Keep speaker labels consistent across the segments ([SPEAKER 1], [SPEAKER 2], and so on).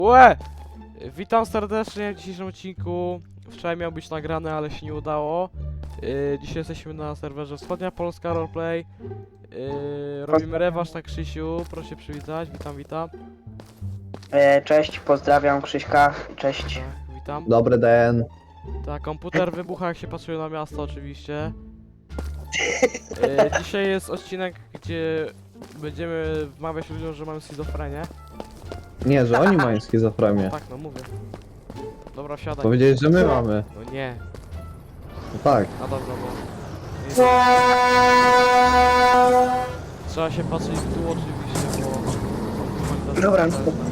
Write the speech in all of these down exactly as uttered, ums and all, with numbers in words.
[SPEAKER 1] Łe! Witam serdecznie w dzisiejszym odcinku. Wczoraj miał być nagrane, ale się nie udało. Yy, dzisiaj jesteśmy na serwerze Wschodnia Polska Roleplay. Yy, robimy rewanż na Krzysiu. Proszę się przywitać. Witam, witam.
[SPEAKER 2] E, cześć, pozdrawiam Krzyśka, cześć.
[SPEAKER 1] Tak, witam.
[SPEAKER 3] Dobry den.
[SPEAKER 1] Tak, komputer wybucha jak się patrzył na miasto oczywiście. Yy, dzisiaj jest odcinek, gdzie będziemy wmawiać ludziom, że mamy schizofrenię.
[SPEAKER 3] Nie, że oni mają schizofrenię.
[SPEAKER 1] Tak, no mówię. Dobra, siadaj.
[SPEAKER 3] Powiedzieli, że my mamy.
[SPEAKER 1] No nie.
[SPEAKER 3] No tak.
[SPEAKER 1] No dobra, bo... Trzeba się patrzeć w dół oczywiście, bo...
[SPEAKER 2] Dobra.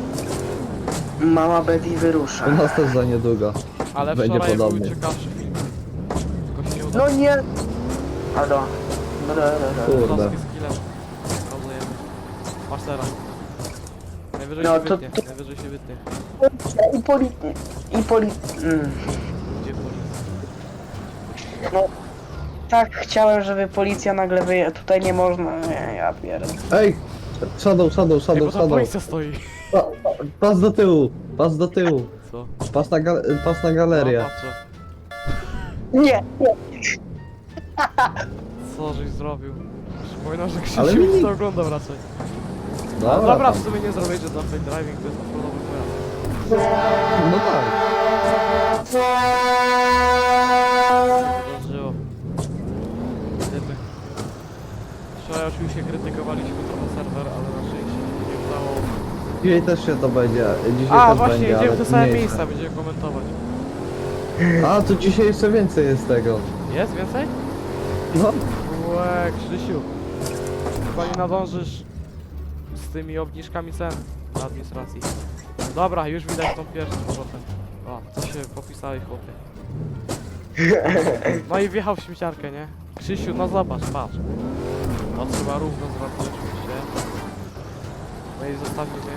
[SPEAKER 2] Mama Betty wyrusza.
[SPEAKER 3] U nas też za niedługo.
[SPEAKER 1] Ale
[SPEAKER 3] będzie
[SPEAKER 1] wczoraj był
[SPEAKER 3] podobnie.
[SPEAKER 1] ciekawszy film. Tylko się nie udało.
[SPEAKER 2] No nie! Halo. No, no, no, no.
[SPEAKER 3] Kurde.
[SPEAKER 1] Klocki z killem. Rozumiem. Masz teraz. Najwyżej
[SPEAKER 2] No,
[SPEAKER 1] się
[SPEAKER 2] to-
[SPEAKER 1] wytnie,
[SPEAKER 2] to-
[SPEAKER 1] najwyżej się wytnie.
[SPEAKER 2] I poli... I poli... Mm.
[SPEAKER 1] Gdzie policja?
[SPEAKER 2] No, tak chciałem, żeby policja nagle wyje... Tutaj nie można... Nie, ja pierdolę.
[SPEAKER 3] Ej! Shadow, shadow,
[SPEAKER 1] Ej,
[SPEAKER 3] shadow,
[SPEAKER 1] bo tam
[SPEAKER 3] shadow.
[SPEAKER 1] policja stoi.
[SPEAKER 3] Pa, pa, pas do tyłu, pas do tyłu.
[SPEAKER 1] Co?
[SPEAKER 3] Pas na, ga pas na galerię.
[SPEAKER 1] No, patrzę.
[SPEAKER 2] Nie, nie.
[SPEAKER 1] Co żeś zrobił? Przypominam, że
[SPEAKER 3] Ale
[SPEAKER 1] Krzysiu
[SPEAKER 3] mi-
[SPEAKER 1] to oglądał raczej.
[SPEAKER 3] Dobra,
[SPEAKER 1] No dobra, w
[SPEAKER 3] tam.
[SPEAKER 1] sumie nie zrobicie za fake driving, to jest offroadowy pojazd.
[SPEAKER 3] No tak.
[SPEAKER 1] Zdążyło. Niestety. Wczoraj oczywiście krytykowaliśmy trochę serwer, ale na szczęście się nie udało.
[SPEAKER 3] Dzisiaj też się to będzie. Dzisiaj
[SPEAKER 1] A,
[SPEAKER 3] też
[SPEAKER 1] właśnie,
[SPEAKER 3] będzie,
[SPEAKER 1] jedziemy
[SPEAKER 3] ale
[SPEAKER 1] w te same
[SPEAKER 3] mniejsze.
[SPEAKER 1] miejsca, będziemy komentować.
[SPEAKER 3] A, to dzisiaj jeszcze więcej jest tego.
[SPEAKER 1] Jest więcej?
[SPEAKER 3] No.
[SPEAKER 1] Łe, Krzysiu. Chyba nie nadążysz z tymi obniżkami cen na administracji. Dobra, już widać tą pierwszą z powrotem. O, co się popisałeś, chłopie. No i wjechał w śmieciarkę, nie? Krzysiu, no zobacz, patrz. No trzeba równo zrobić oczywiście. No i zostawimy.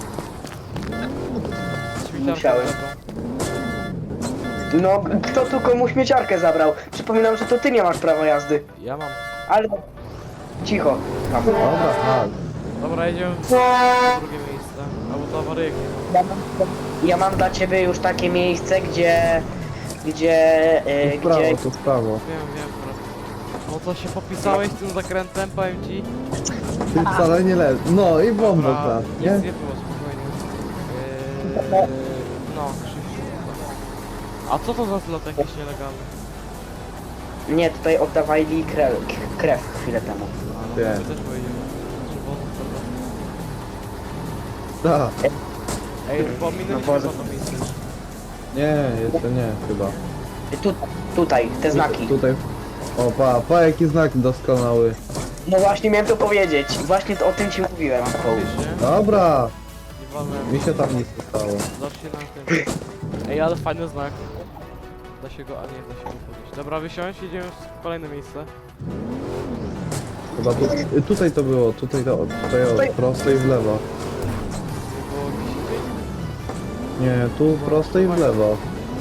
[SPEAKER 1] Śmieciarkę
[SPEAKER 2] Musiałem.
[SPEAKER 1] zabrał.
[SPEAKER 2] No, kto tu komu śmieciarkę zabrał? Przypominam, że to ty nie masz prawa jazdy.
[SPEAKER 1] Ja mam.
[SPEAKER 2] Ale... Cicho. Tam.
[SPEAKER 3] Dobra, tak.
[SPEAKER 1] Dobra, jedziemy w drugie miejsce. Albo to awaryjki.
[SPEAKER 2] Ja mam, ja mam dla ciebie już takie miejsce, gdzie... Gdzie... E,
[SPEAKER 3] Tu w prawo,
[SPEAKER 2] gdzie...
[SPEAKER 3] tu w prawo.
[SPEAKER 1] Wiem, wiem, bro. No to się popisałeś tym zakrętem, powiem ci.
[SPEAKER 3] Ty wcale nie leży. No i bomba,
[SPEAKER 1] Dobra,
[SPEAKER 3] tak,
[SPEAKER 1] nic
[SPEAKER 3] nie?
[SPEAKER 1] nie było, spokojnie. Yy, no, Krzysiu. A co to za zlot jakiś nielegalny?
[SPEAKER 2] Nie, tutaj oddawali krew, krew chwilę temu.
[SPEAKER 1] A, no,
[SPEAKER 3] Wiem.
[SPEAKER 1] my też pojedziemy. Czerwoną serwetę.
[SPEAKER 3] Tak.
[SPEAKER 1] Ej, pominęliśmy
[SPEAKER 2] No,
[SPEAKER 1] no,
[SPEAKER 2] bo-
[SPEAKER 1] to miejsce.
[SPEAKER 3] Nie, jeszcze nie, chyba.
[SPEAKER 2] Tu, tutaj, te znaki.
[SPEAKER 3] Tutaj. O, pa, pa, jaki znak doskonały.
[SPEAKER 2] No właśnie miałem to powiedzieć. Właśnie to, o tym ci mówiłem.
[SPEAKER 1] Wiesz, nie?
[SPEAKER 3] Dobra,
[SPEAKER 1] Nie walnę.
[SPEAKER 3] mi się tam nic nie stało.
[SPEAKER 1] Zacznij na tym. Ej, ale fajny znak. Da się go, a nie, da się go podnieść. Dobra, wysiądź, jedziemy w kolejne miejsce.
[SPEAKER 3] Chyba tu, y, tutaj to było, tutaj to, tutaj o, prosto i w lewo.
[SPEAKER 1] Nie było gdzieś indziej?
[SPEAKER 3] Nie, tu prosto i w lewo.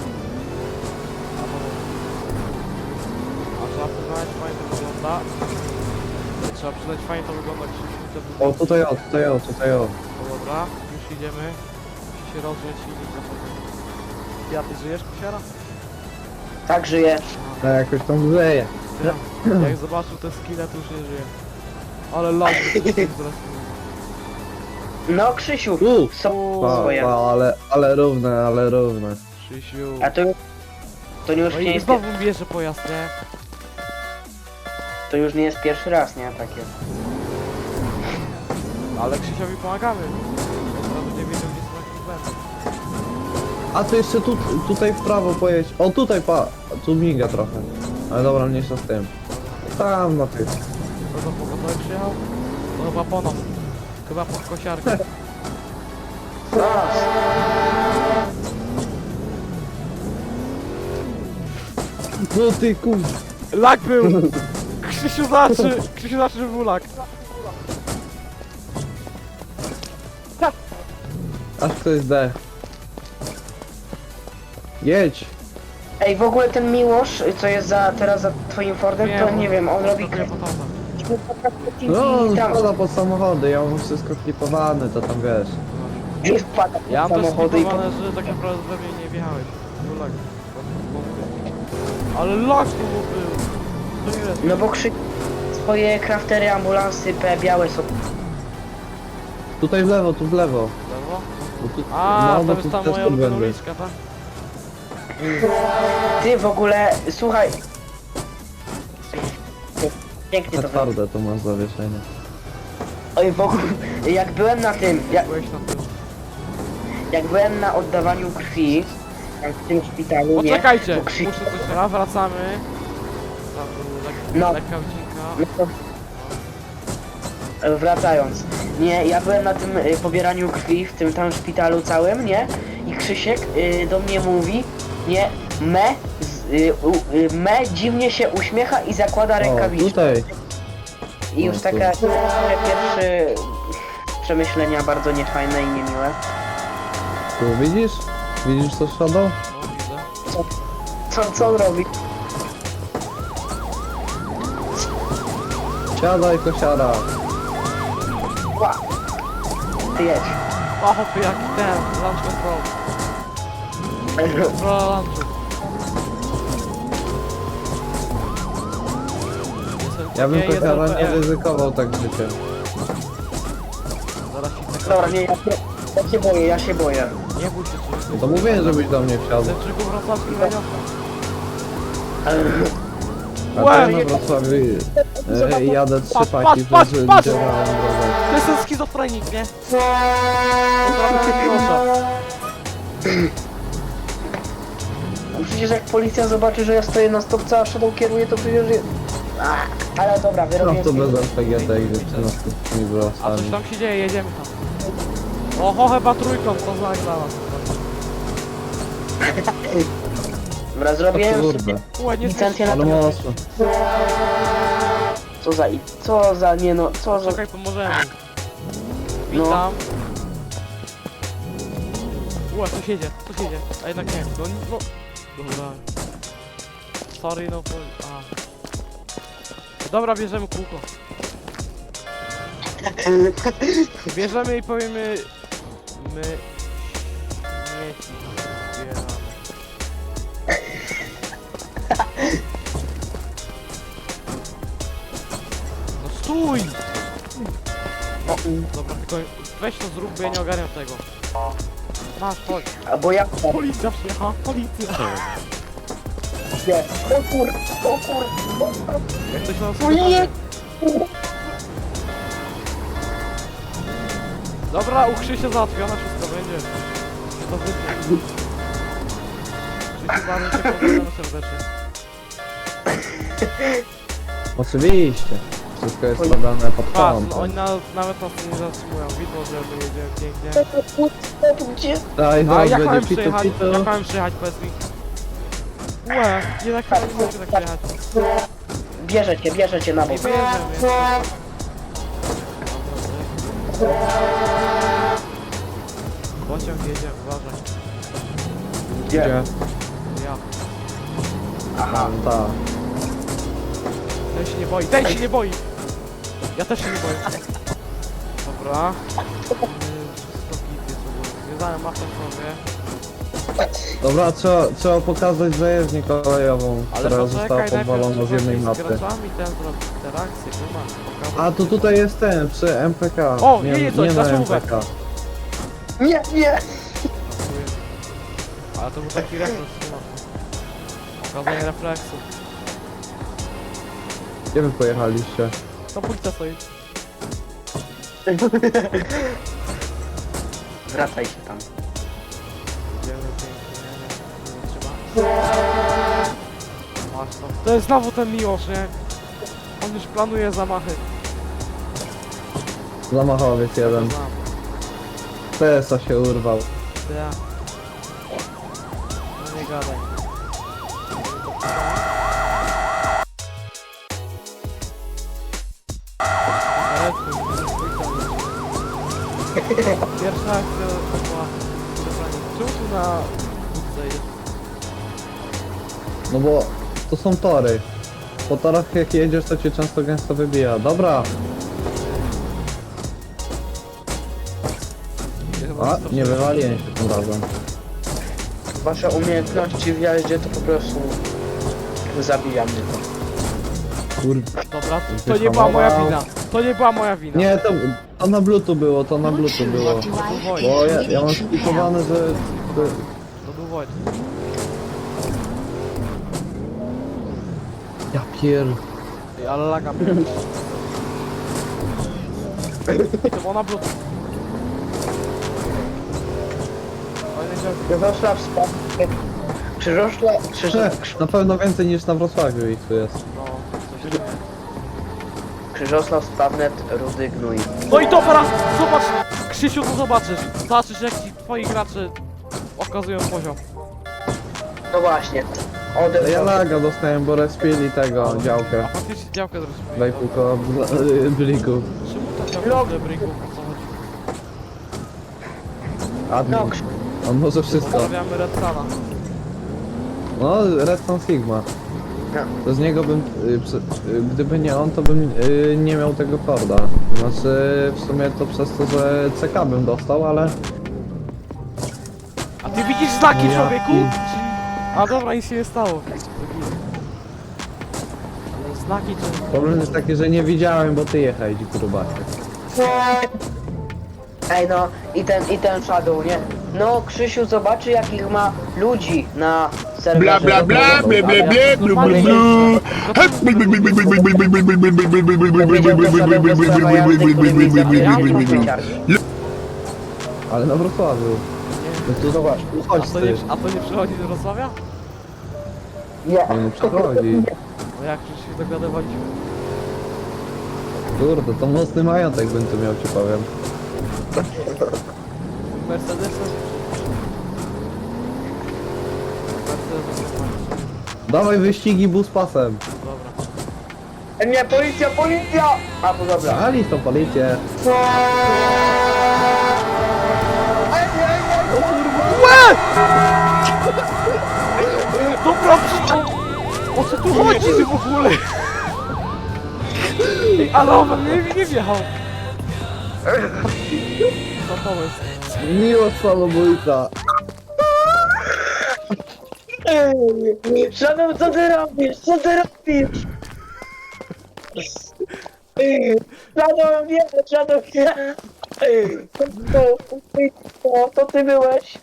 [SPEAKER 1] A trzeba przyznać, fajnie to wygląda. Trzeba przyznać, fajnie to wygląda, Krzysiu, to
[SPEAKER 3] O, tutaj o, tutaj o, tutaj o.
[SPEAKER 1] No dobra, już idziemy. Musi się rozgrzeć silnik na sobie. Ja, ty żyjesz, kusiara?
[SPEAKER 2] Tak żyje.
[SPEAKER 3] A jakoś tam grzeje.
[SPEAKER 1] Ja, jak zobaczył te skille, to już nie żyje. Ale lag,
[SPEAKER 2] No Krzysiu,
[SPEAKER 3] U,
[SPEAKER 2] są
[SPEAKER 3] pa,
[SPEAKER 2] swoje.
[SPEAKER 3] pa, ale, ale równe, ale równe.
[SPEAKER 1] Krzysiu.
[SPEAKER 2] A to, to już
[SPEAKER 1] No
[SPEAKER 2] nie
[SPEAKER 1] i
[SPEAKER 2] jest,
[SPEAKER 1] znowu bierze pojazd, nie?
[SPEAKER 2] to już nie jest pierwszy raz, nie? Takie.
[SPEAKER 1] Ale Krzysiowi pomagamy. Teraz będzie wiedział, gdzie są jakieś błędy.
[SPEAKER 3] A to jeszcze tu, tutaj w prawo pojedź. O, tutaj pa, tu miga trochę. Ale dobra, mniejsza z tym. Tam na tych.
[SPEAKER 1] Kogo pogotowy przyjechał? To chyba po nas. Chyba pod kosiarkę.
[SPEAKER 2] Raz.
[SPEAKER 3] No ty kur...
[SPEAKER 1] Lag był! Krzysiu znaczy! Krzysiu znaczy, że był lag.
[SPEAKER 3] Aż ktoś zdech. Jedź!
[SPEAKER 2] Ej, w ogóle ten Miłosz, co jest za, teraz za twoim Fordem, to nie wiem, on robi
[SPEAKER 1] krew.
[SPEAKER 2] krew.
[SPEAKER 3] No, on
[SPEAKER 2] tam.
[SPEAKER 3] spada pod samochody, ja mam wszystko klipowane, to tam wiesz.
[SPEAKER 2] Gdzie wpada
[SPEAKER 1] Ja mam też
[SPEAKER 2] samochody i po...
[SPEAKER 1] skipowane, że tak naprawdę we mnie nie wjechałeś. Był lag. Ale lag tu był! To nie jest.
[SPEAKER 2] No bo krzy... Swoje craftery, ambulansy, P, białe są...
[SPEAKER 3] Tutaj w lewo, tu w lewo.
[SPEAKER 1] Lewo?
[SPEAKER 3] Bo tu,
[SPEAKER 1] A,
[SPEAKER 3] no, bo
[SPEAKER 1] to
[SPEAKER 3] tu
[SPEAKER 1] jest ta
[SPEAKER 3] też
[SPEAKER 1] moja
[SPEAKER 3] tu
[SPEAKER 1] ulubiona
[SPEAKER 3] będę.
[SPEAKER 1] uliczka, tak?
[SPEAKER 2] Ty w ogóle, słuchaj... Pięknie to wygląda.
[SPEAKER 3] Twarde to masz zawieszenie.
[SPEAKER 2] Oj, w ogóle, jak byłem na tym, jak,
[SPEAKER 1] Byłeś na tym.
[SPEAKER 2] jak byłem na oddawaniu krwi, tam w tym szpitalu, nie?
[SPEAKER 1] Poczekajcie!
[SPEAKER 2] To krzy...
[SPEAKER 1] Muszę coś... Dobra, wracamy. Tam był lek...
[SPEAKER 2] No.
[SPEAKER 1] lekka odcinka.
[SPEAKER 2] No to... E, Wracając, nie, ja byłem na tym y, pobieraniu krwi w tym tam szpitalu całym, nie? I Krzysiek y, do mnie mówi, nie, me, z, y, u, y, me dziwnie się uśmiecha i zakłada
[SPEAKER 3] O,
[SPEAKER 2] rękawiczkę.
[SPEAKER 3] tutaj.
[SPEAKER 2] I już
[SPEAKER 3] o,
[SPEAKER 2] taka takie pierwsze przemyślenia bardzo niefajne i niemiłe.
[SPEAKER 3] Tu widzisz? Widzisz co Shadow?
[SPEAKER 1] No, widzę.
[SPEAKER 2] Co, co on robi?
[SPEAKER 3] Siadaj kosiara.
[SPEAKER 2] Ła! Ty jedź.
[SPEAKER 1] O, hopy, jaki ten, launch control. Kontrola launchu.
[SPEAKER 3] Ja bym
[SPEAKER 1] Nie, jeden
[SPEAKER 3] kosiara nie
[SPEAKER 1] P M.
[SPEAKER 3] ryzykował tak życiem.
[SPEAKER 1] Zaraz ci tak...
[SPEAKER 2] Dobra, nie, ja, ja się boję, ja się boję.
[SPEAKER 1] Nie bój się, czy
[SPEAKER 3] No to mówiłem, żebyś do mnie wsiadł.
[SPEAKER 1] Centrzyku wrocławski Raniowka.
[SPEAKER 3] A
[SPEAKER 1] Łe,
[SPEAKER 3] ty na Wrocławiu e, jadę trzy
[SPEAKER 1] Patrz,
[SPEAKER 3] paki
[SPEAKER 1] patrz,
[SPEAKER 3] przez
[SPEAKER 1] patrz, patrz!
[SPEAKER 3] działałem drogę.
[SPEAKER 1] To jest ten schizofrenik, nie? Proszę.
[SPEAKER 2] No przecież jak policja zobaczy, że ja stoję na stopce, a Shadow kieruje, to przecież... je- A, ale dobra,
[SPEAKER 3] No
[SPEAKER 2] wyrobię...
[SPEAKER 3] to bez R P G T i dziewczyna z tymi
[SPEAKER 1] A coś
[SPEAKER 3] włosami.
[SPEAKER 1] tam się dzieje, jedziemy tam. Oho, chyba trójką, to znak dla nas.
[SPEAKER 2] Dobra,
[SPEAKER 3] O
[SPEAKER 2] zrobiłem sobie...
[SPEAKER 3] kurde,
[SPEAKER 1] Ue, nie
[SPEAKER 2] Licencję na
[SPEAKER 3] ale mocno.
[SPEAKER 2] Co za... Co za... nie no... Co za...
[SPEAKER 1] Czekaj, pomożemy.
[SPEAKER 2] No.
[SPEAKER 1] Witam. Ue, tu siedzie, tu siedzie. A jednak nie, no, no. Dobra. Sorry, no, po... A. Dobra, bierzemy kółko. Bierzemy i powiemy... My... Śmieci zbieramy. No stój!
[SPEAKER 2] No,
[SPEAKER 1] Dobra, tylko weź to zrób, bo ja nie ogarniam tego. Masz, chodź.
[SPEAKER 2] albo ja...
[SPEAKER 1] Policja przyjechała, policja!
[SPEAKER 2] Nie. O kur... O kur...
[SPEAKER 1] Jak ktoś nas
[SPEAKER 2] O nie!
[SPEAKER 1] Dobra, u Krzysia załatwione, wszystko będzie. Się to wytnie. Krzysiu, bardzo cię pozdrawiam serdecznie.
[SPEAKER 3] Oczywiście. Wszystko jest robione pod
[SPEAKER 1] Patrz, no,
[SPEAKER 3] kątem.
[SPEAKER 1] oni na, nawet nas nie zatrzymują, widno, że my jedziemy pięknie.
[SPEAKER 2] Gdzie?
[SPEAKER 3] Daj,
[SPEAKER 1] A
[SPEAKER 3] zaraz
[SPEAKER 1] jak mamy
[SPEAKER 3] będzie pitu
[SPEAKER 1] przyjechać?
[SPEAKER 3] pitu.
[SPEAKER 1] Jak mamy przyjechać, powiedz mi? Łe, jednak chyba nie mogę tak przyjechać.
[SPEAKER 2] Bierze cię, bierze cię na
[SPEAKER 1] Nie
[SPEAKER 2] bok.
[SPEAKER 1] bierzemy. Pociąg jedzie, uważaj.
[SPEAKER 2] Gdzie?
[SPEAKER 1] Ja.
[SPEAKER 2] Aha.
[SPEAKER 3] Tak.
[SPEAKER 1] Ten się nie boi, ten się nie boi! Ja też się nie boję. Dobra. Yy, Wszystko gity są. Związałem mapę sobie.
[SPEAKER 3] Dobra, trzeba, trzeba pokazać zajezdnię kolejową,
[SPEAKER 1] Ale
[SPEAKER 3] która została
[SPEAKER 1] poczekaj,
[SPEAKER 3] podwalona
[SPEAKER 1] najpierw
[SPEAKER 3] z
[SPEAKER 1] trzeba
[SPEAKER 3] jednej
[SPEAKER 1] z
[SPEAKER 3] mapy.
[SPEAKER 1] graczami ten zrobić interakcję, nie ma. Pokazać.
[SPEAKER 3] A, to tutaj jest ten, przy M P K.
[SPEAKER 1] O,
[SPEAKER 3] nie,
[SPEAKER 1] jedzie coś,
[SPEAKER 3] nie na
[SPEAKER 1] na
[SPEAKER 3] M
[SPEAKER 1] czołówę.
[SPEAKER 3] P K.
[SPEAKER 2] Nie, nie!
[SPEAKER 1] Dziękuję. Ale to był taki refleks, nie ma. Pokazanie refleksu.
[SPEAKER 3] Gdzie wy pojechaliście?
[SPEAKER 1] To policja stoi.
[SPEAKER 2] Wracaj się tam.
[SPEAKER 1] Idziemy pięknie, nie, nie trzeba. Masz to. To jest znowu ten Miłosz, nie? On już planuje zamachy.
[SPEAKER 3] Zamachowiec jeden.
[SPEAKER 1] Znam.
[SPEAKER 3] T S A się urwał.
[SPEAKER 1] Ja. No nie gadaj. Ale tu, pierwsza akcja była czemu tu na budce jest?
[SPEAKER 3] No bo to są tory. Po torach jak jedziesz to cię często gęsto wybija. Dobra,
[SPEAKER 1] Ja chyba
[SPEAKER 3] A, nie wywaliłem się tym razem.
[SPEAKER 2] Wasze umiejętności w jeździe to po prostu zabija mnie to.
[SPEAKER 3] Kurde.
[SPEAKER 1] Dobra, to nie była moja wina. To nie była moja wina.
[SPEAKER 3] Nie, to, to na bluetooth było, to na bluetooth było.
[SPEAKER 1] To był Wojt.
[SPEAKER 3] Bo ja, ja mam splikowane, że... że-
[SPEAKER 1] To był Wojt.
[SPEAKER 3] Ja pier...
[SPEAKER 1] Ej, ale laga miałem. I to było na bluetooth. Fajne działki.
[SPEAKER 2] Krzyżosław spadł. Krzyżosław... Krzyżosław...
[SPEAKER 3] Na pewno więcej niż na Wrocławiu ich tu jest.
[SPEAKER 1] No, coś takiego.
[SPEAKER 2] Krzyżosław Spawnet, Rudy Gnój.
[SPEAKER 1] No i dobra, zobacz! Krzysiu, to zobaczysz. Zobaczysz, jak ci twoi gracze okazują poziom.
[SPEAKER 2] No właśnie.
[SPEAKER 3] Ja
[SPEAKER 2] Odebrał.
[SPEAKER 3] laga dostałem, bo respili tego
[SPEAKER 1] A
[SPEAKER 3] działkę.
[SPEAKER 1] faktycznie działkę zrobiliśmy.
[SPEAKER 3] Daj kółko blików.
[SPEAKER 1] Czemu ta działka
[SPEAKER 2] Log.
[SPEAKER 1] tyle bryków? O co chodzi?
[SPEAKER 3] Admin.
[SPEAKER 2] No, Krzy-
[SPEAKER 3] On może wszystko.
[SPEAKER 1] Pozdrawiamy Red Sana.
[SPEAKER 3] No, Redstone Sigma.
[SPEAKER 2] no.
[SPEAKER 3] To z niego bym, y, przy- y, gdyby nie on, to bym y, nie miał tego korda. Znaczy, w sumie to przez to, że C K bym dostał, ale...
[SPEAKER 1] A ty widzisz znaki,
[SPEAKER 3] Ja
[SPEAKER 1] człowieku?
[SPEAKER 3] pi-
[SPEAKER 1] Czyli- A dobra, nic się nie stało. Ale znaki to...
[SPEAKER 3] Problem jest taki, że nie widziałem, bo ty jechałeś, grubasie.
[SPEAKER 2] Ej no, i ten, i ten Shadow, nie? No, Krzysiu zobaczy jakich ma ludzi na serwerze.
[SPEAKER 4] Bla bla bla bla bla bla blu blu
[SPEAKER 1] Normalnie
[SPEAKER 4] blu.
[SPEAKER 3] Ale na Wrocławiu. No to zobacz, tu
[SPEAKER 1] A
[SPEAKER 3] chodź
[SPEAKER 1] to, nie,
[SPEAKER 3] ty.
[SPEAKER 1] a to nie przychodzi do Wrocławia?
[SPEAKER 2] Nie.
[SPEAKER 3] Nie no, przychodzi.
[SPEAKER 1] No jak przecież się dogadywaliśmy.
[SPEAKER 3] Kurde, to mocny majątek bym tu miał, ci powiem.
[SPEAKER 1] Mercedesem? Mercedesem.
[SPEAKER 3] Dawaj wyścigi bus pasem.
[SPEAKER 1] Dobra.
[SPEAKER 2] Nie, policja, policja! A, to dobra.
[SPEAKER 3] Ali to policję.
[SPEAKER 1] Dobra, przy- o co tu chodzi w ogóle? Ej, ale on we mnie nie wjechał. Co pomysł?
[SPEAKER 3] Miłość samobójca.
[SPEAKER 2] Shadow, co ty robisz? Co ty robisz? Shadow, nie, Shadow, nie. To, to, to ty byłeś.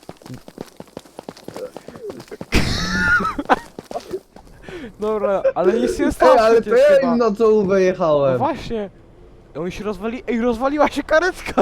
[SPEAKER 1] Dobra, ale nic się nie stało
[SPEAKER 3] Ej, ale to
[SPEAKER 1] przecież
[SPEAKER 3] ja
[SPEAKER 1] chyba.
[SPEAKER 3] im na czołówę
[SPEAKER 1] No
[SPEAKER 3] jechałem.
[SPEAKER 1] właśnie. Oni się rozwali... Ej, rozwaliła się karetka!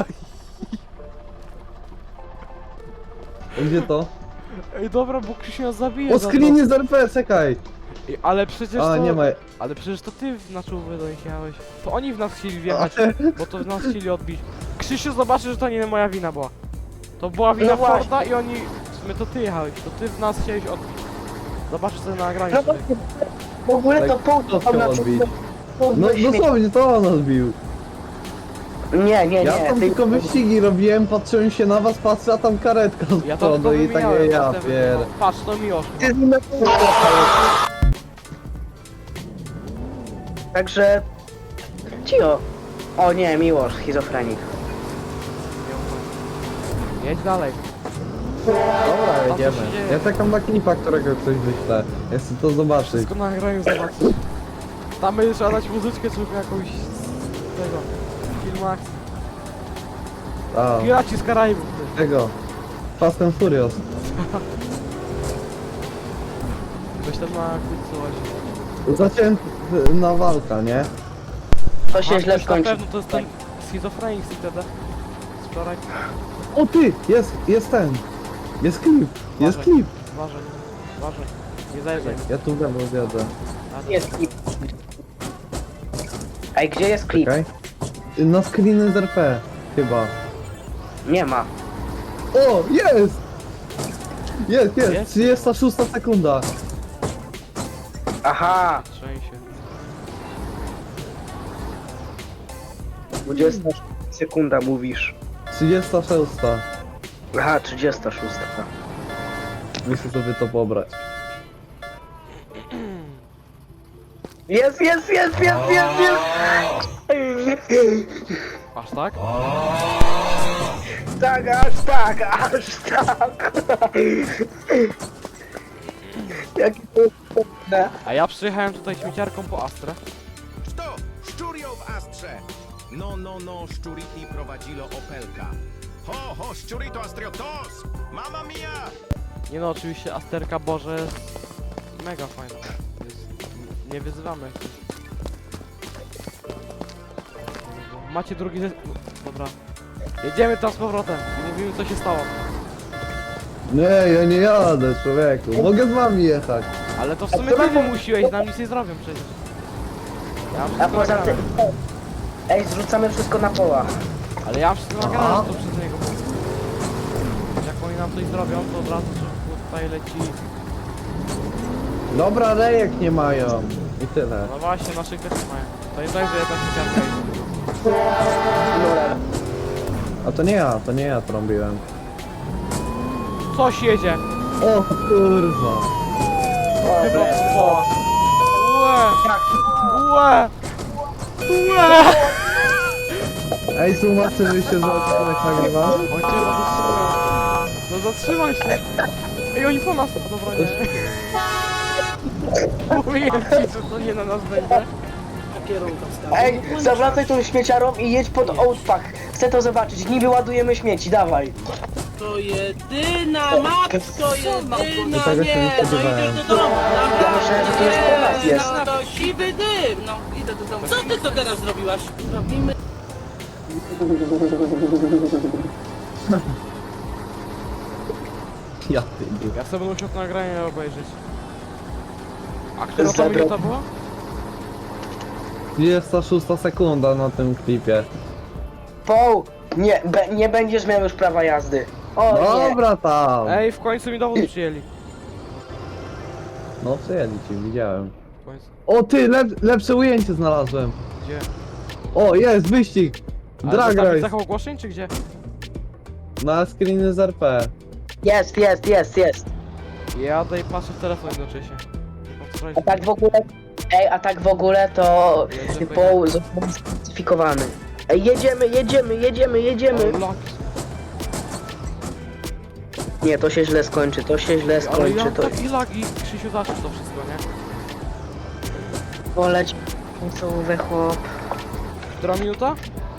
[SPEAKER 3] Gdzie to?
[SPEAKER 1] Ej, dobra, bo Krzysiu nas zabije
[SPEAKER 3] O,
[SPEAKER 1] za to.
[SPEAKER 3] screeny z R P, czekaj.
[SPEAKER 1] Ej, ale przecież
[SPEAKER 3] A,
[SPEAKER 1] to...
[SPEAKER 3] nie ma.
[SPEAKER 1] Ale przecież to ty w- na czołówę do nich jechałeś. To oni w nas chcieli wjechać, bo to w nas chcieli odbić. Krzysiu zobaczy, że to nie moja wina była. To była wina
[SPEAKER 2] No właśnie.
[SPEAKER 1] Forda i oni... W sumie to ty jechałeś, to ty w nas chciałeś odbić. Zobaczysz sobie na nagraniu.
[SPEAKER 2] No
[SPEAKER 1] tutaj.
[SPEAKER 2] w ogóle to
[SPEAKER 3] Tak,
[SPEAKER 2] pół
[SPEAKER 3] to
[SPEAKER 2] tam na
[SPEAKER 3] chciał odbić.
[SPEAKER 2] pół
[SPEAKER 3] No
[SPEAKER 2] śmie-
[SPEAKER 3] dosłownie, to on odbił.
[SPEAKER 2] Nie, nie,
[SPEAKER 3] Ja
[SPEAKER 2] nie.
[SPEAKER 3] tam
[SPEAKER 2] ty-
[SPEAKER 3] tylko wyścigi robiłem, patrzyłem się na was, patrzę, a tam karetka z
[SPEAKER 1] Ja to
[SPEAKER 3] przodu
[SPEAKER 1] tylko
[SPEAKER 3] i tak
[SPEAKER 1] wymieniałem,
[SPEAKER 3] ja
[SPEAKER 1] potem-
[SPEAKER 3] pier...
[SPEAKER 1] Patrz, to Miłosz.
[SPEAKER 2] Ty z nim na pół. Także... Cio. O nie, Miłosz, schizofrenik.
[SPEAKER 1] Jedź dalej.
[SPEAKER 3] Dobra,
[SPEAKER 1] co się
[SPEAKER 3] jedziemy.
[SPEAKER 1] dzieje?
[SPEAKER 3] Ja czekam na klipa, którego ktoś wyśle. Ja chcę to zobaczyć.
[SPEAKER 1] Wszystko na nagraniu zobaczysz. Tam będzie trzeba dać muzyczkę, czy jakąś... z tego... Filmach.
[SPEAKER 3] A,
[SPEAKER 1] Piraci z Karaibów. ty.
[SPEAKER 3] tego. Fast and Furious.
[SPEAKER 1] Weź tam na kucu
[SPEAKER 3] Zacięty na walka, nie?
[SPEAKER 2] To się źle
[SPEAKER 1] Na
[SPEAKER 2] skończy.
[SPEAKER 1] pewno to jest ten schizofrenik z I T D. Z wczoraj.
[SPEAKER 3] O ty! Jest, jest ten! Jest klip! Jest
[SPEAKER 1] Uważaj.
[SPEAKER 3] klip!
[SPEAKER 1] Uważaj. Uważaj. Nie zajrzaj.
[SPEAKER 3] Ja tu lewo zjadę.
[SPEAKER 1] A,
[SPEAKER 2] Jest klip. Ej, gdzie jest klip?
[SPEAKER 3] Czekaj. Na screeny z R P. Chyba.
[SPEAKER 2] Nie ma.
[SPEAKER 3] O! Jest! Jest, jest!
[SPEAKER 1] Jest?
[SPEAKER 3] trzydziesta szósta sekunda.
[SPEAKER 2] Aha!
[SPEAKER 1] Trzęsie.
[SPEAKER 2] dwudziesta sekunda mówisz.
[SPEAKER 3] trzydziesta szósta.
[SPEAKER 2] Aha, trzydziesta szósta.
[SPEAKER 3] Muszę sobie to pobrać.
[SPEAKER 2] Jest, jest, jest, jest, jest, jest!
[SPEAKER 1] Aż tak?
[SPEAKER 2] tak, aż tak, aż tak. Jakie to jest smutne.
[SPEAKER 1] A ja przyjechałem tutaj śmieciarką po Astrę.
[SPEAKER 5] Что? Szczurio w Astrze! No, no, no, szczuriti prowadzilo Opelka. Ho, ho, szczurito astriotos! Mamma mia!
[SPEAKER 1] Nie no, oczywiście Asterka Boże jest mega fajna. Jest, nie wyzywamy. Macie drugi ze... Dobra. Jedziemy tam z powrotem i mówimy co się stało.
[SPEAKER 3] Nie, ja nie jadę, człowieku. Mogę z wami jechać.
[SPEAKER 1] Ale to w sumie ty wymusiłeś, nam nic nie zrobią przecież. Ja mam
[SPEAKER 2] A
[SPEAKER 1] wszystko
[SPEAKER 2] poza
[SPEAKER 1] nagrane.
[SPEAKER 2] tym... Ej, zrzucamy wszystko na poła.
[SPEAKER 1] Ale ja mam wszystko
[SPEAKER 3] Aha.
[SPEAKER 1] nagrane, to przez niego było. Jak oni nam coś zrobią, to od razu szybko tutaj leci.
[SPEAKER 3] Dobra, rejek nie mają. I tyle.
[SPEAKER 1] No właśnie, naszych też nie mają. To nie tak, że jedna śmieciarka jest.
[SPEAKER 3] A to nie ja, to nie ja trąbiłem.
[SPEAKER 1] Coś jedzie!
[SPEAKER 3] O kurwa.
[SPEAKER 1] Chyba
[SPEAKER 2] Dobre.
[SPEAKER 1] powoła. Łe!
[SPEAKER 2] Tak.
[SPEAKER 1] Łe! Łe!
[SPEAKER 3] Ej, tłumaczy, wy się za odcinek nagrywa?
[SPEAKER 1] On cię zatrzymał. No zatrzymaj się! Ej, oni po nas! Dobra, nie. Mówiłem ci, że to nie na nas będzie.
[SPEAKER 2] Ej, zawracaj tą śmieciarą i jedź pod Outpack. Chcę to zobaczyć. Niby ładujemy śmieci, dawaj.
[SPEAKER 6] To jedyna matko, jedyna,
[SPEAKER 3] Do tego się nie
[SPEAKER 6] nie, no
[SPEAKER 3] spodziewałem.
[SPEAKER 6] idę do domu.
[SPEAKER 2] Ja myślałem, że to jest po nas
[SPEAKER 6] Nie,
[SPEAKER 2] jest.
[SPEAKER 6] no to siwy dym, no idę do domu. Co ty to teraz zrobiłaś? Robimy...
[SPEAKER 3] Ja ty.
[SPEAKER 1] Ja sobie musiał to nagranie obejrzeć. A która to
[SPEAKER 2] Zabrał-
[SPEAKER 1] minuta była?
[SPEAKER 3] trzydziesta szósta sekunda na tym klipie.
[SPEAKER 2] Poł, nie, be, nie będziesz miał już prawa jazdy. O nie.
[SPEAKER 3] Dobra tam.
[SPEAKER 1] Ej, w końcu mi dowód przyjęli.
[SPEAKER 3] No przyjęli ci, widziałem.
[SPEAKER 1] W końcu.
[SPEAKER 3] O ty, lep, lepsze ujęcie znalazłem.
[SPEAKER 1] Gdzie?
[SPEAKER 3] O, jest, wyścig.
[SPEAKER 1] Ale
[SPEAKER 3] Drag
[SPEAKER 1] zostawić
[SPEAKER 3] race.
[SPEAKER 1] tak ogłoszeń, czy gdzie?
[SPEAKER 3] Na screeny z R P.
[SPEAKER 2] Jest, jest, jest, jest.
[SPEAKER 1] Jadę i patrzę w telefon jednocześnie. Nie
[SPEAKER 2] A tak w ogóle, ej, a tak w ogóle to
[SPEAKER 1] Jedzie,
[SPEAKER 2] Poł został sklasyfikowany. Ej, jedziemy, jedziemy, jedziemy, jedziemy.
[SPEAKER 1] Ale laki.
[SPEAKER 2] Nie, to się źle skończy, to się źle
[SPEAKER 1] Ale
[SPEAKER 2] skończy,
[SPEAKER 1] ja mam
[SPEAKER 2] to
[SPEAKER 1] taki lagi. Krzysiu, zacznij to wszystko, nie?
[SPEAKER 2] poleć. Końcowy chłop.
[SPEAKER 1] Która minuta?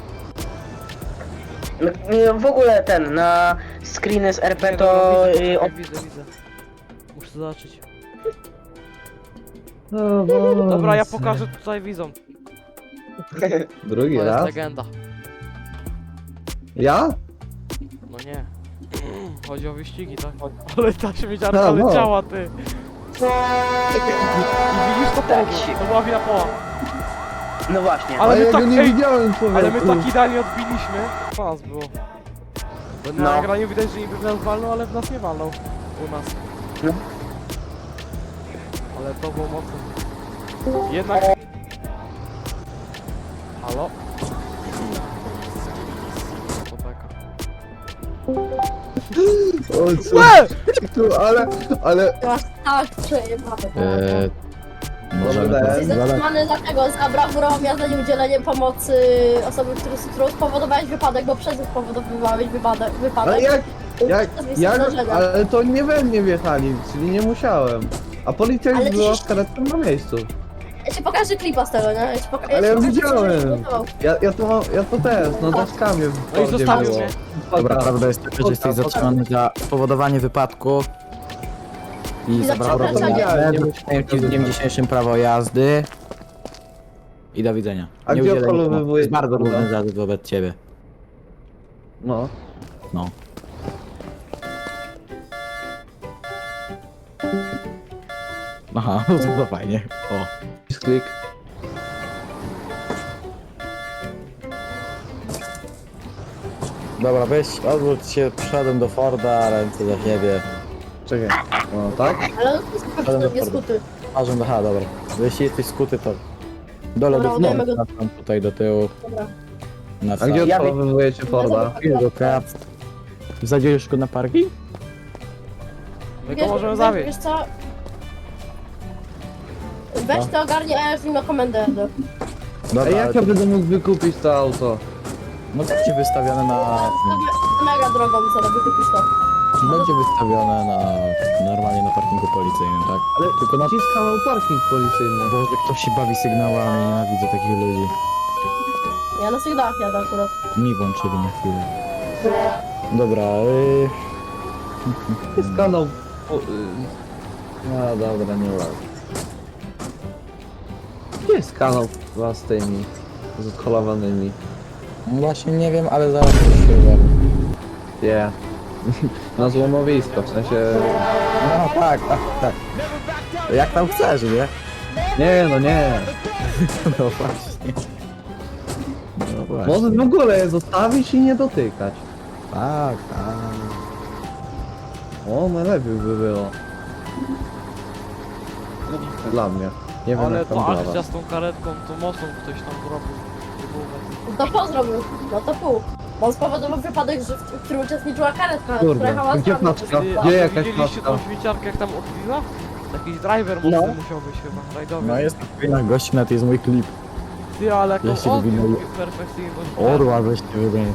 [SPEAKER 2] No, nie, w ogóle ten, na screeny z R P
[SPEAKER 1] Nie,
[SPEAKER 2] to...
[SPEAKER 1] dobra, widzę,
[SPEAKER 2] y,
[SPEAKER 1] poczekaj, widzę, widzę. Muszę zobaczyć.
[SPEAKER 3] No, Boże.
[SPEAKER 1] Dobra, ja pokażę tutaj widzom.
[SPEAKER 3] Drugi
[SPEAKER 1] To jest
[SPEAKER 3] raz?
[SPEAKER 1] legenda.
[SPEAKER 3] Ja?
[SPEAKER 1] No nie. Chodzi o wyścigi, tak? Ale ta śmieciarka
[SPEAKER 3] A, no.
[SPEAKER 1] leciała, ty. I widzisz to
[SPEAKER 2] Tak
[SPEAKER 1] połowę.
[SPEAKER 2] się-
[SPEAKER 1] To była wina poła.
[SPEAKER 2] No właśnie.
[SPEAKER 1] Ale
[SPEAKER 3] A
[SPEAKER 1] my
[SPEAKER 3] ja
[SPEAKER 1] tak,
[SPEAKER 3] go nie
[SPEAKER 1] ej,
[SPEAKER 3] widziałem, człowieku.
[SPEAKER 1] ale my tak idealnie odbiliśmy. Po nas było. Bo na
[SPEAKER 2] No.
[SPEAKER 1] nagraniu widać, że niby w nas walnął, ale w nas nie walnął. U nas.
[SPEAKER 2] No.
[SPEAKER 1] Ale to było mocne. Jednak... Halo? To beka.
[SPEAKER 3] O, co?
[SPEAKER 1] Łe!
[SPEAKER 3] Tu, ale, ale...
[SPEAKER 7] Masz tak przejebane.
[SPEAKER 8] Eee, możemy
[SPEAKER 3] Dobra,
[SPEAKER 8] to
[SPEAKER 7] Jesteś
[SPEAKER 8] zadać.
[SPEAKER 7] zatrzymany dlatego za brawurową jazdę i udzieleniem pomocy osoby, który, z którą spowodowałeś wypadek, bo przez nich spowodowywałeś wypadek.
[SPEAKER 3] Ale
[SPEAKER 7] wypadek.
[SPEAKER 3] jak... Jak...
[SPEAKER 7] To jest
[SPEAKER 3] jak
[SPEAKER 7] zdarzenia.
[SPEAKER 3] ale to nie we mnie wjechali, czyli nie musiałem. A policja już
[SPEAKER 7] Ale
[SPEAKER 3] była
[SPEAKER 7] przecież-
[SPEAKER 3] z karetką na miejscu.
[SPEAKER 7] Ja ci pokażę klipa z tego, nie? Ja ci poka-
[SPEAKER 3] Ale ja
[SPEAKER 7] ci pokażę, co
[SPEAKER 3] widziałem.
[SPEAKER 7] żeś przygotował.
[SPEAKER 3] Ja, ja to mam, ja to też, no daszkami w
[SPEAKER 1] No i
[SPEAKER 3] Fordzie
[SPEAKER 1] zostawił
[SPEAKER 3] było.
[SPEAKER 1] mnie.
[SPEAKER 8] Dobra, prawda jest taka, że jesteś zatrzymany za spowodowanie wypadku i
[SPEAKER 7] I
[SPEAKER 8] za
[SPEAKER 7] za
[SPEAKER 8] brawurową
[SPEAKER 7] przekraczanie.
[SPEAKER 8] jazdę. Wrzuciłem ci w dniem dzisiejszym prawo jazdy. I do widzenia.
[SPEAKER 3] A
[SPEAKER 8] Nie
[SPEAKER 3] gdzie
[SPEAKER 8] udzielę
[SPEAKER 3] odholowywuje
[SPEAKER 8] nic. To jest bardzo
[SPEAKER 3] kurwa?
[SPEAKER 8] główny zarzut wobec ciebie.
[SPEAKER 3] No.
[SPEAKER 8] No. Aha, to fajnie. O.
[SPEAKER 3] Klik.
[SPEAKER 8] Dobra, weź, odwróć się, przyszedłem do Forda, ręce za siebie.
[SPEAKER 3] Czekaj. No tak?
[SPEAKER 7] Ale on jest
[SPEAKER 8] Ale
[SPEAKER 7] super,
[SPEAKER 8] na
[SPEAKER 7] nie
[SPEAKER 8] Forda.
[SPEAKER 7] skuty.
[SPEAKER 8] Ażem, aha, dobra. Jeśli jesteś skuty, to do
[SPEAKER 7] Dobra,
[SPEAKER 8] lodów,
[SPEAKER 7] oddajmy go.
[SPEAKER 8] no, tam tutaj do tyłu.
[SPEAKER 7] Dobra.
[SPEAKER 8] Na
[SPEAKER 3] A
[SPEAKER 8] sam.
[SPEAKER 3] gdzie
[SPEAKER 2] Ja-
[SPEAKER 3] odholowywujecie Forda?
[SPEAKER 8] Jego krat. Zadzielisz go na parking?
[SPEAKER 1] My go
[SPEAKER 7] Wiesz,
[SPEAKER 1] możemy
[SPEAKER 7] wiesz,
[SPEAKER 1] zawieźć.
[SPEAKER 7] Wiesz co? Weź to ogarnij, a ja z nim na komendę jadę.
[SPEAKER 3] A
[SPEAKER 8] Dobra,
[SPEAKER 3] jak ja będę mógł wykupić to auto?
[SPEAKER 8] no to ci wystawione na...
[SPEAKER 7] Zostawię- mega drogą co robi kupić to.
[SPEAKER 8] Będzie wystawione na normalnie na parkingu policyjnym, tak?
[SPEAKER 3] Ale
[SPEAKER 8] Tylko na...
[SPEAKER 3] gdzie jest kanał parking policyjny?
[SPEAKER 8] Boże, ktoś się bawi sygnałami, nienawidzę takich ludzi.
[SPEAKER 7] Ja na sygnałach jadę akurat.
[SPEAKER 8] Mi włączyli na chwilę. Dobra, yy...
[SPEAKER 3] Jest kanał... po- y, No dobra, nie ładnie. Gdzie jest kanał chyba z tymi... z odholowanymi?
[SPEAKER 8] Właśnie nie wiem, ale zaraz coś się uwagę.
[SPEAKER 3] Nie. Na złomowisko, w sensie...
[SPEAKER 8] No tak, tak, tak. Jak tam chcesz, nie?
[SPEAKER 3] Nie, no nie.
[SPEAKER 8] No właśnie. No właśnie.
[SPEAKER 3] Może w ogóle je zostawić i nie dotykać.
[SPEAKER 8] Tak, tak.
[SPEAKER 3] O, najlepiej by było. Dla mnie. Nie wiem
[SPEAKER 1] Ale
[SPEAKER 3] jak tam
[SPEAKER 1] to
[SPEAKER 3] dla
[SPEAKER 1] akcja
[SPEAKER 3] was.
[SPEAKER 1] z tą karetką, to mocą ktoś tam zrobił.
[SPEAKER 7] No to po zrobił, no to pół. Bo on spowodował wypadek, że w, w którym uczestniczyła karetka,
[SPEAKER 3] Kurde,
[SPEAKER 7] która jechała z
[SPEAKER 3] gdzie
[SPEAKER 7] nami.
[SPEAKER 3] paczka?
[SPEAKER 1] Ty,
[SPEAKER 3] Gdzie
[SPEAKER 1] a
[SPEAKER 3] jakaś
[SPEAKER 1] widzieliście
[SPEAKER 3] paczka?
[SPEAKER 1] tą śmieciarkę jak tam odbiła? Jakiś driver mocny
[SPEAKER 2] No.
[SPEAKER 1] musiał być chyba, rajdowy.
[SPEAKER 8] No jest na gości, na to jest mój klip.
[SPEAKER 1] Ty, ale jak
[SPEAKER 8] Ja się
[SPEAKER 1] on odbił
[SPEAKER 8] wywinęli.
[SPEAKER 1] perfekcyjność.
[SPEAKER 8] Orła weźcie wybranie.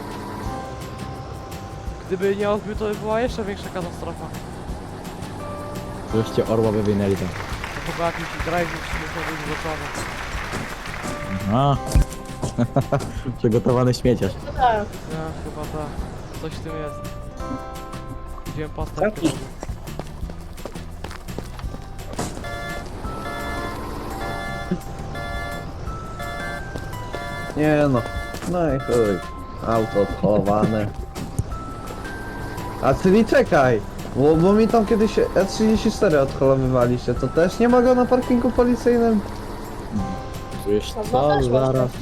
[SPEAKER 1] Gdyby nie odbił, to by była jeszcze większa katastrofa.
[SPEAKER 8] Weźcie orła wywinęli tam.
[SPEAKER 1] To chyba jakiś driver musiał być złoczony.
[SPEAKER 8] A. Przygotowany śmieciarz.
[SPEAKER 7] Tak.
[SPEAKER 1] Ja, chyba tak. Coś w tym jest. Widziałem pastę.
[SPEAKER 2] Taki.
[SPEAKER 3] Nie no. No i chuj. Auto odholowane. A czyli czekaj. Bo, bo mi tam kiedyś E trzydzieści cztery odholowywaliście. To też nie ma go na parkingu policyjnym?
[SPEAKER 8] Wiesz
[SPEAKER 7] No,
[SPEAKER 8] co,
[SPEAKER 7] też można.
[SPEAKER 8] zaraz.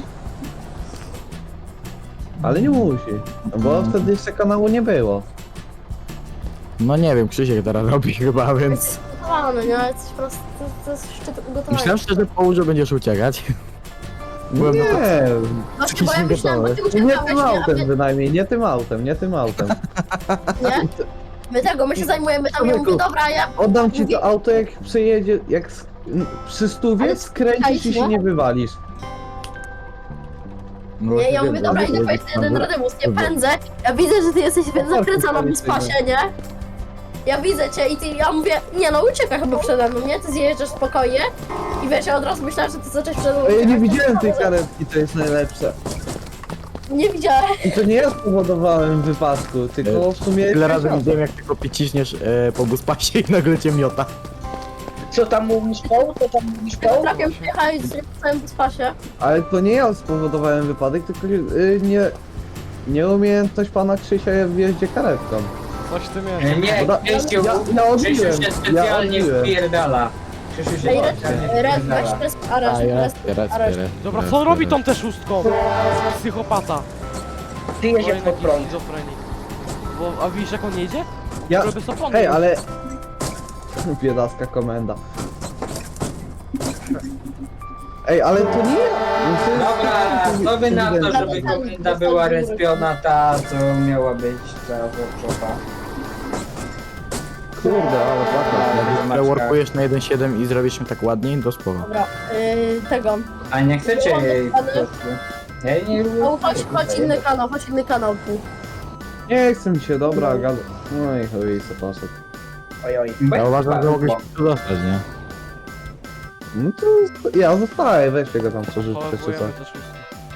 [SPEAKER 3] Ale nie musi. Bo wtedy jeszcze kanału nie było.
[SPEAKER 8] No nie wiem, Krzysiek teraz robi chyba, więc...
[SPEAKER 7] Jest ugotowany, nie? Jesteś po prostu, to, to jest szczyt ugotowania.
[SPEAKER 8] Myślałem szczerze, połóż, że będziesz uciekać. Byłem na to-
[SPEAKER 3] Nie.
[SPEAKER 7] Właśnie, bo ja myślałem, bo ty
[SPEAKER 3] Nie
[SPEAKER 7] uciekałeś,
[SPEAKER 3] tym
[SPEAKER 7] nie? A
[SPEAKER 3] autem
[SPEAKER 7] my,
[SPEAKER 3] bynajmniej, nie tym autem, nie tym autem.
[SPEAKER 7] nie? My tego, my się zajmujemy tam, ja mówię, dobra, ja...
[SPEAKER 3] Oddam ci
[SPEAKER 7] Mówię-
[SPEAKER 3] to auto jak przejedzie, jak sk- m, przy stówie
[SPEAKER 7] Ale
[SPEAKER 3] skręcisz i się
[SPEAKER 7] no.
[SPEAKER 3] nie wywalisz.
[SPEAKER 8] No
[SPEAKER 7] Nie, ja
[SPEAKER 8] wiem,
[SPEAKER 7] mówię, dobra,
[SPEAKER 8] wiem,
[SPEAKER 7] idę
[SPEAKER 8] wiem,
[SPEAKER 7] wejść jeden
[SPEAKER 8] wiem.
[SPEAKER 7] radybus, nie pędzę. Ja widzę, że ty jesteś
[SPEAKER 3] No,
[SPEAKER 7] zakręcona w spasie, nie? Ja widzę cię i ty, ja mówię, nie no, ucieka chyba przede mną, nie? Ty zjeżdżasz spokojnie i wiesz, ja od razu myślałem, że ty zaczęłaś przede mną
[SPEAKER 3] A ja nie
[SPEAKER 7] uciekać.
[SPEAKER 3] widziałem tej karetki, to jest najlepsze.
[SPEAKER 7] Nie widziałem.
[SPEAKER 3] I to nie ja spowodowałem wypadku, tylko w sumie...
[SPEAKER 8] Tyle razy
[SPEAKER 3] jakaś
[SPEAKER 8] widziałem, jak tylko piciśniesz e, po buspasie i nagle cię miota.
[SPEAKER 2] Co tam mówisz, Paul? Co tam mówisz, Paul?
[SPEAKER 7] Trakiem przyjechałeś w całym spasie.
[SPEAKER 3] Ale to nie ja spowodowałem wypadek, tylko yy, nie... Nieumiejętność pana Krzysia w jeździe karetką.
[SPEAKER 1] Coś w tym jest.
[SPEAKER 9] Nie,
[SPEAKER 3] Bo da-
[SPEAKER 9] Krzysiu,
[SPEAKER 3] ja, ja odbiłem,
[SPEAKER 9] Krzysiu się
[SPEAKER 3] ja
[SPEAKER 9] specjalnie
[SPEAKER 3] odbiłem.
[SPEAKER 9] wpierdala. Krzysiu się
[SPEAKER 7] Ej, red,
[SPEAKER 9] specjalnie
[SPEAKER 7] red, weź
[SPEAKER 9] wpierdala.
[SPEAKER 7] res, areszt,
[SPEAKER 8] A, ja,
[SPEAKER 7] res,
[SPEAKER 8] raz,
[SPEAKER 7] areszt.
[SPEAKER 8] raz,
[SPEAKER 1] Dobra,
[SPEAKER 8] raz,
[SPEAKER 1] co on robi
[SPEAKER 8] raz.
[SPEAKER 1] tą też szóstką? Psychopata.
[SPEAKER 2] Ty jedziesz
[SPEAKER 1] Kolejny
[SPEAKER 2] pod
[SPEAKER 1] jakiś
[SPEAKER 2] prąd.
[SPEAKER 1] schizofrenik. Bo, a widzisz jak on jedzie?
[SPEAKER 3] Ja...
[SPEAKER 1] Żeby zapomniał.
[SPEAKER 3] Hej, ale... Biedacka komenda. Ej, ale to nie ja. To jest-
[SPEAKER 9] Dobra, co by na to,
[SPEAKER 3] Ewidentnie.
[SPEAKER 9] żeby komenda była respiona ta, co miała być ta workshopa.
[SPEAKER 3] Kurde, ale płaka.
[SPEAKER 8] Reworkujesz na jeden przecinek siedem i zrobisz się tak ładniej, do spowa.
[SPEAKER 7] Dobra, yy, tego.
[SPEAKER 9] A nie chcecie jej po prostu. Ja jej nie lubię.
[SPEAKER 7] No, chodź, chodź inny kanał, chodź inny kanał tu.
[SPEAKER 3] Nie chce mi się, dobra, gada. No i chuj, co poszedł.
[SPEAKER 2] Oj, oj.
[SPEAKER 8] Ja uważam, że mogłeś się tu dostać, nie?
[SPEAKER 3] No to ja zostaję, weźcie go tam przerzućcie czy
[SPEAKER 1] Chowujemy
[SPEAKER 3] coś.
[SPEAKER 1] te szóstki.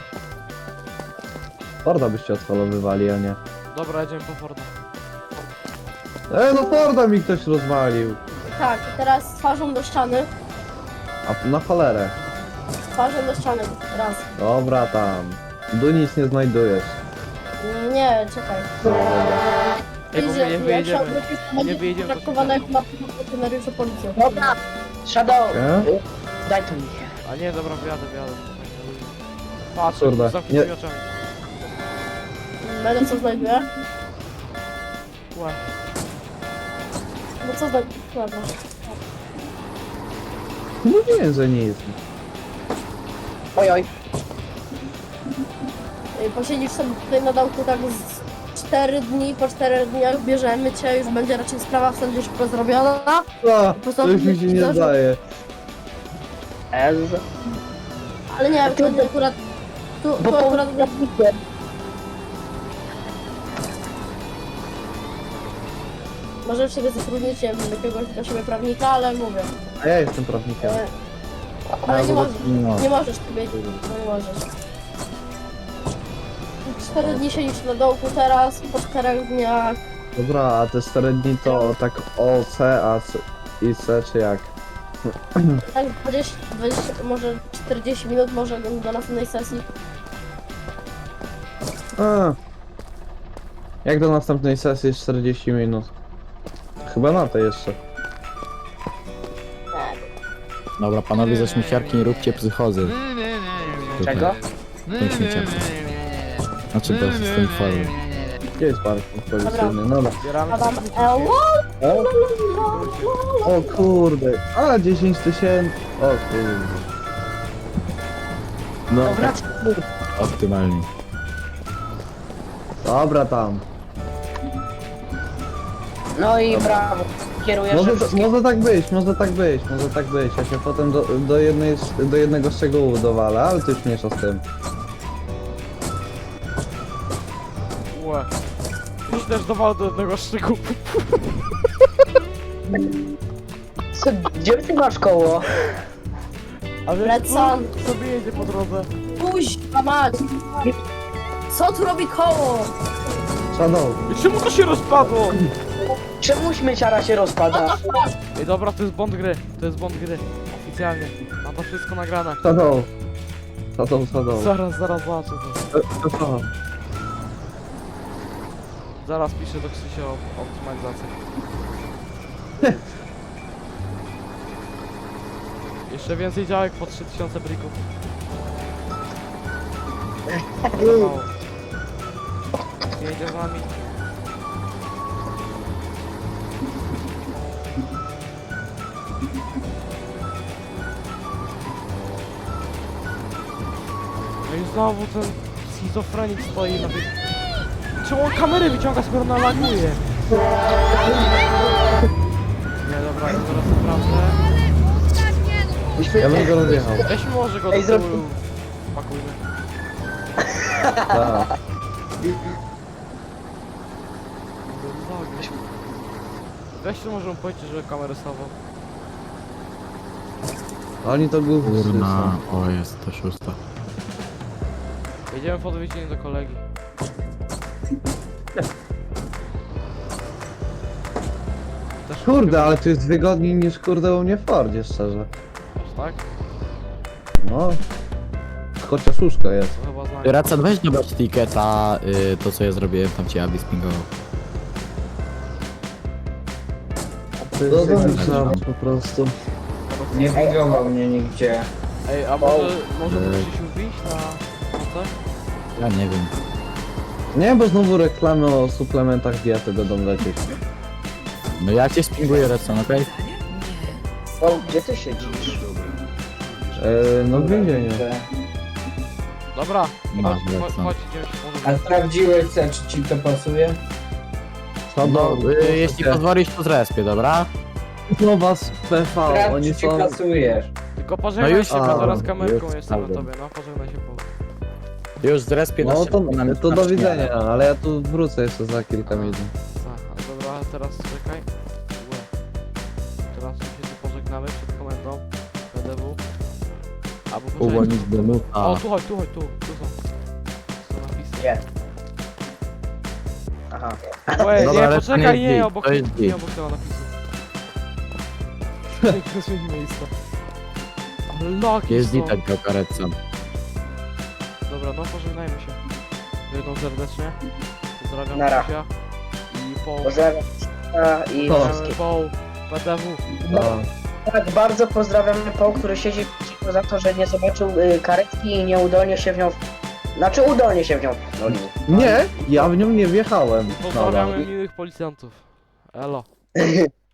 [SPEAKER 1] Forda
[SPEAKER 3] byście odholowywali, a nie.
[SPEAKER 1] Dobra, jedziemy po Forda.
[SPEAKER 3] E, no Forda mi ktoś rozwalił.
[SPEAKER 7] Tak, teraz twarzą do ściany.
[SPEAKER 3] A na cholerę.
[SPEAKER 7] Twarzą do ściany, raz.
[SPEAKER 3] Dobra tam. Tu nic nie znajdujesz.
[SPEAKER 7] Nie, czekaj.
[SPEAKER 3] No, dobra.
[SPEAKER 1] Ej, bo my nie
[SPEAKER 7] Jak się
[SPEAKER 1] wyjedziemy.
[SPEAKER 7] odwrócisz, to
[SPEAKER 1] Nie
[SPEAKER 7] będzie
[SPEAKER 1] wyjedziemy, to
[SPEAKER 7] traktowane jak
[SPEAKER 1] się
[SPEAKER 7] na funkcjonariuszu policji.
[SPEAKER 2] Dobra, Shadow,
[SPEAKER 3] Nie?
[SPEAKER 2] daj to mi.
[SPEAKER 1] A nie, dobra, wyjadę, wyjadę. Patrz,
[SPEAKER 3] Kurde,
[SPEAKER 1] z zamkniętymi
[SPEAKER 3] nie-
[SPEAKER 1] oczami.
[SPEAKER 7] Będę co znajduje?
[SPEAKER 1] Łe.
[SPEAKER 7] No co znajduje? Dobra.
[SPEAKER 3] Mówiłem, że nic.
[SPEAKER 2] Oj, oj.
[SPEAKER 7] Ej, Posiedzisz sobie tutaj na dołku tak z cztery dni, po czterech dniach bierzemy cię, już będzie raczej sprawa w sądzie szybko zrobiona.
[SPEAKER 3] A, to już mi się nie zdaje.
[SPEAKER 2] Ez.
[SPEAKER 7] Ale nie, tu akurat... Tu,
[SPEAKER 2] Bo
[SPEAKER 7] tu
[SPEAKER 2] po...
[SPEAKER 7] akurat... Możesz sobie zatrudnić, nie wiem, jakiegoś dla siebie prawnika, ale mówię.
[SPEAKER 3] A ja jestem prawnikiem.
[SPEAKER 7] E, ale nie
[SPEAKER 3] No,
[SPEAKER 7] możesz,
[SPEAKER 3] no.
[SPEAKER 7] nie możesz sobie, no nie możesz. Cztery dni siedzisz na dołku teraz, po czterech dniach.
[SPEAKER 3] Dobra, a te cztery dni to tak O, C, A C i C czy jak?
[SPEAKER 7] Tak, dwadzieścia, dwadzieścia, może czterdzieści minut, może do następnej sesji.
[SPEAKER 3] A. Jak do następnej sesji jest czterdzieści minut? Chyba na to jeszcze.
[SPEAKER 8] Dobra, panowie ze śmieciarki, nie róbcie psychozy.
[SPEAKER 2] Czego?
[SPEAKER 8] Tym śmieciarką. Znaczy bez z tym tworem.
[SPEAKER 3] Gdzie jest parking policyjny? No dobra.
[SPEAKER 1] Zbieramy
[SPEAKER 7] Adam, e,
[SPEAKER 3] O, o kurde. A, dziesięć tysięcy. O kurde.
[SPEAKER 8] No,
[SPEAKER 2] Dobra,
[SPEAKER 8] optymalnie.
[SPEAKER 3] Dobra tam.
[SPEAKER 2] no i brawo. Kierujesz
[SPEAKER 3] Może,
[SPEAKER 2] wszystkim.
[SPEAKER 3] może tak być, może tak być, może tak być. Ja się potem do, do, jednej, do jednego szczegółu dowalę, ale ty już mniejsza z tym.
[SPEAKER 1] Łe. Już też dowal do jednego szczegółu.
[SPEAKER 2] Co, gdzie ty masz koło?
[SPEAKER 1] A wiesz,
[SPEAKER 7] Lecą.
[SPEAKER 1] co sobie jedzie po drodze?
[SPEAKER 7] Kuźwa mać! Co tu robi koło?
[SPEAKER 3] Szanowny.
[SPEAKER 1] I czemu to się rozpadło?
[SPEAKER 2] Czemu śmieciara się rozpada?
[SPEAKER 1] Ej, dobra, to jest błąd gry. To jest błąd gry. Oficjalnie. Mam to wszystko nagrane.
[SPEAKER 3] Szanowny. Szanowny, szanowny.
[SPEAKER 1] Zaraz, zaraz zobaczę to.
[SPEAKER 3] E, to co?
[SPEAKER 1] Zaraz piszę do Krzysia o optymalizację. Jeszcze więcej działek po trzy tysiące brików. Mało. Jedzie z nami. No i znowu ten schizofrenik stoi na tej... Czemu on kamery wyciąga, skoro ona laguje? Nie, dobra, to teraz naprawdę.
[SPEAKER 3] Ja bym go rozjechał.
[SPEAKER 1] Weźmy może go
[SPEAKER 2] Ej,
[SPEAKER 1] do
[SPEAKER 2] zrób-
[SPEAKER 1] tyłu. Pakujmy.
[SPEAKER 3] Tak.
[SPEAKER 1] Weź tu może mu powiedzieć, że kamerę stawą.
[SPEAKER 3] Oni to głównie
[SPEAKER 8] Kurna, o jest to szósta.
[SPEAKER 1] Jedziemy po odwiedziny do kolegi. Też
[SPEAKER 3] Kurde, ale tu jest wygodniej niż kurde u mnie w Fordzie, szczerze.
[SPEAKER 1] Tak?
[SPEAKER 3] No. Chociaż łóżko jest.
[SPEAKER 1] To chyba znajdę.
[SPEAKER 8] Racan, weź dobrać tiketa, y, to co ja zrobiłem, tam cię Abi spingował.
[SPEAKER 3] No dobrze, po prostu.
[SPEAKER 9] Nie widował mnie nigdzie.
[SPEAKER 1] Ej, a może, może
[SPEAKER 8] Ej.
[SPEAKER 1] musisz już wyjść na... na coś?
[SPEAKER 8] Ja nie wiem.
[SPEAKER 3] Nie, bo znowu reklamy o suplementach diety będą lecieć.
[SPEAKER 8] No ja cię spinguję, Racan, okej?
[SPEAKER 2] O, gdzie ty siedzisz?
[SPEAKER 3] Eee, no w więzieniu.
[SPEAKER 1] Dobra,
[SPEAKER 8] Masz,
[SPEAKER 1] chodź, chodź,
[SPEAKER 8] Wrexon.
[SPEAKER 1] chodź, idziemy się
[SPEAKER 9] A
[SPEAKER 1] może...
[SPEAKER 9] sprawdziłeś se, czy ci to pasuje?
[SPEAKER 8] No,
[SPEAKER 3] No,
[SPEAKER 8] y, jeśli pozwolisz, to zrespię, dobra?
[SPEAKER 3] Nowa z P V,
[SPEAKER 9] Sprawdź,
[SPEAKER 3] oni
[SPEAKER 9] czy ci
[SPEAKER 3] są...
[SPEAKER 9] pasujesz.
[SPEAKER 1] Tylko pożegnaj
[SPEAKER 8] No już
[SPEAKER 1] się,
[SPEAKER 3] się-
[SPEAKER 1] bo zaraz
[SPEAKER 3] A,
[SPEAKER 1] kamerką
[SPEAKER 8] już
[SPEAKER 1] jestem na
[SPEAKER 8] sprawdzam.
[SPEAKER 1] tobie, no pożegnaj się, bo...
[SPEAKER 8] Już zrespię na
[SPEAKER 3] No to,
[SPEAKER 8] szybko, na
[SPEAKER 3] to do
[SPEAKER 8] znacznie.
[SPEAKER 3] widzenia, ale ja tu wrócę jeszcze za kilka minut.
[SPEAKER 1] Aha, dobra, teraz czekaj. Łe. Teraz się tu pożegnamy przed komendą. P D W. Albo poczekaj.
[SPEAKER 8] Uwolnić Benuta.
[SPEAKER 1] O, tu chodź, tu chodź, tu, tu są. Są napisy.
[SPEAKER 2] Gdzie? Aha.
[SPEAKER 1] Łe,
[SPEAKER 8] Dobra,
[SPEAKER 1] nie,
[SPEAKER 8] ale to
[SPEAKER 1] poczekaj,
[SPEAKER 8] nie
[SPEAKER 1] nie,
[SPEAKER 8] jest
[SPEAKER 1] obok,
[SPEAKER 8] to jest
[SPEAKER 1] nie
[SPEAKER 8] git.
[SPEAKER 1] obok tego napisu. Jak zmieni miejsca. Ale laki
[SPEAKER 8] Jest
[SPEAKER 1] są.
[SPEAKER 8] witek go karetcem.
[SPEAKER 1] Dobra, no pożegnajmy się. Jedną serdecznie. Pozdrawiam
[SPEAKER 2] Nara.
[SPEAKER 1] Krzysia. I po...
[SPEAKER 2] Pozdrawiam i
[SPEAKER 3] O.
[SPEAKER 2] wszystkich.
[SPEAKER 1] Po... P D W.
[SPEAKER 3] No.
[SPEAKER 2] Tak, bardzo pozdrawiam Paul, który siedzi cicho za to, że nie zobaczył y, karetki i nieudolnie się w nią... Znaczy udolnie się w nią wdolił.
[SPEAKER 3] Nie, ja w nią nie wjechałem.
[SPEAKER 1] Pozdrawiamy
[SPEAKER 3] Nadal.
[SPEAKER 1] miłych policjantów. Elo.